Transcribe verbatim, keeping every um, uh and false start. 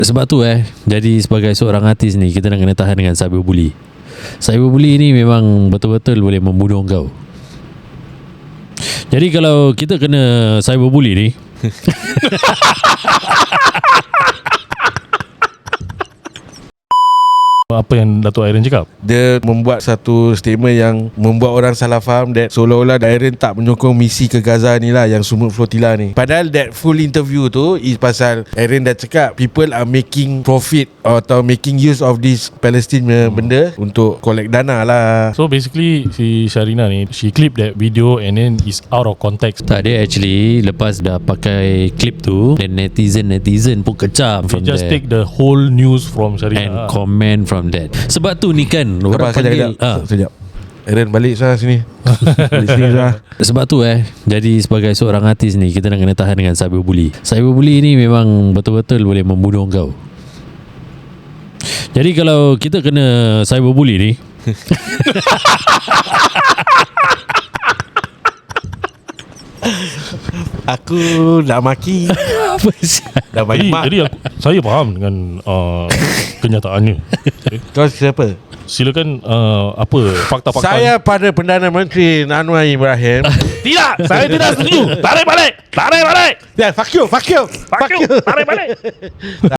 Sebab tu eh, jadi sebagai seorang artis ni, kita nak kena tahan dengan cyberbully. Cyberbully ni memang betul-betul boleh membunuh kau. Jadi kalau kita kena cyberbully ni apa yang Dato' Aaron cakap, dia membuat satu statement yang membuat orang salah faham that seolah-olah Aaron tak menyokong misi ke Gaza ni lah, yang Sumut Flotilla ni. Padahal that full interview tu is pasal Aaron dah cakap people are making profit atau making use of this Palestine hmm. benda untuk collect dana lah. So basically si Sharina ni, she clip that video and then is out of context. tak, dia actually lepas dah pakai clip tu, dan netizen-netizen pun kecam They from just there take the whole news from and Sharina comment from that. Sebab tu ni kan orang Lepas, panggil sekejap, ah. sekejap. Aaron balik sah sini. Balik sini sah. Sebab tu eh, jadi sebagai seorang artis ni, kita nak kena tahan dengan cyberbully. Cyberbully ni memang betul-betul boleh membunuh kau. Jadi kalau kita kena cyberbully ni Aku nak maki. apa sih? Dah Jadi, bagi mak. jadi aku, saya faham dengan uh, kenyataannya. Okay. Kau siapa? Silakan uh, apa fakta-fakta. Saya pada Perdana Menteri Anwar Ibrahim. Tidak, saya tidak setuju. Tarik balik. Tarik balik. Yeah, fuck you, fuck you, Fuck you. Tarik balik.